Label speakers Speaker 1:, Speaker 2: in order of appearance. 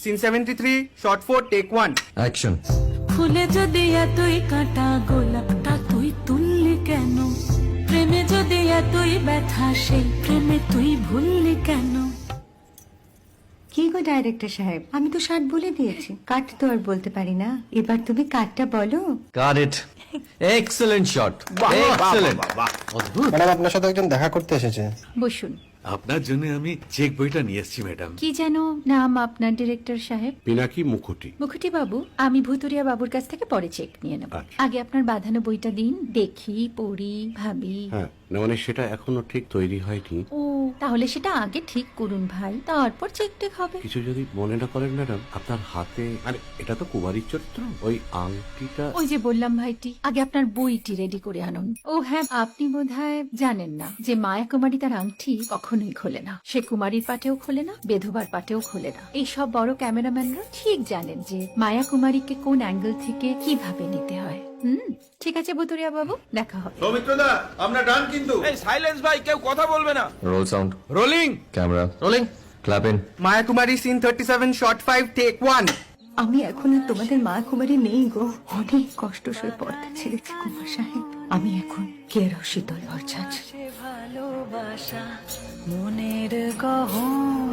Speaker 1: Scene 73 short 4 take 1
Speaker 2: action.
Speaker 3: ফুলে যদি এতই কাঁটা গোলাপটা তুই তুললি কেন? প্রেমে যদি এতই ব্যথা সেই প্রেমে তুই ভুললি কেন?
Speaker 4: কি গো ডাইরেক্টর সাহেব, আমি তো 60 বলে দিয়েছি, কাট তো আর বলতে পারি না, এবার তুমি কাটটা বলো।
Speaker 2: Got it. Excellent shot, excellent. অদ্ভুত।
Speaker 5: ম্যাডাম আপনার সাথে একজন দেখা করতে এসেছে।
Speaker 4: বসুন।
Speaker 6: আপনার জন্য আমি চেক বইটা নিয়ে এসেছি ম্যাডাম।
Speaker 4: কি যেন নাম আপনার ডিরেক্টর সাহেব?
Speaker 7: পিনাকি মুখোটি।
Speaker 4: মুখুটি বাবু, আমি ভুতুরিয়া বাবুর কাছ থেকে পরে চেক নিয়ে নেব।
Speaker 7: আচ্ছা।
Speaker 4: আগে আপনার বাঁধানো বইটা দিন, দেখি, পড়ি, ভাবি।
Speaker 7: হ্যাঁ, না মানে সেটা এখনো ঠিক তৈরি হয়নি।
Speaker 4: ও, তাহলে সেটা আগে ঠিক করুন ভাই, তারপর চেক টেক হবে।
Speaker 7: কিছু যদি মনে না করেন ম্যাডাম, আপনার হাতে, আরে এটা তো কুমারীর চরিত্র, ওই আংটিটা।
Speaker 4: ওই যে বললাম ভাইটি, আগে আপনার বইটি রেডি করে আনুন। ও হ্যাঁ, আপনি বোধহয় জানেন না যে মায়া কুমারী তার আংটি কখনোই খোলে না। সে কুমারীর পাটেও খোলে না, বেধবার পাটেও খোলে না। এই সব বড় ক্যামেরাম্যানরা ঠিক জানেন যে মায়া কুমারীকে কোন অ্যাঙ্গেল থেকে কিভাবে নিতে হয়। ঠিক আছে ভুতুরিয়া বাবু, দেখা হবে।
Speaker 6: সৌমিত্রদা, আমরা ডান কিন্তু। এই সাইলেন্স ভাই, কেউ কথা বলবে না।
Speaker 2: Roll sound,
Speaker 6: rolling.
Speaker 2: Camera
Speaker 1: rolling.
Speaker 2: Clap in.
Speaker 1: Maya Kumari scene 37 shot 5 take 1
Speaker 4: আমি এখন আর তোমাদের মা কুমারী নেই গো, অনেক কষ্ট সয়ে পর্দা ছেড়েছি কুমার সাহেব। আমি এখন কেরো শীতল ভরছাছ।
Speaker 3: ভালোবাসা মনের গহন।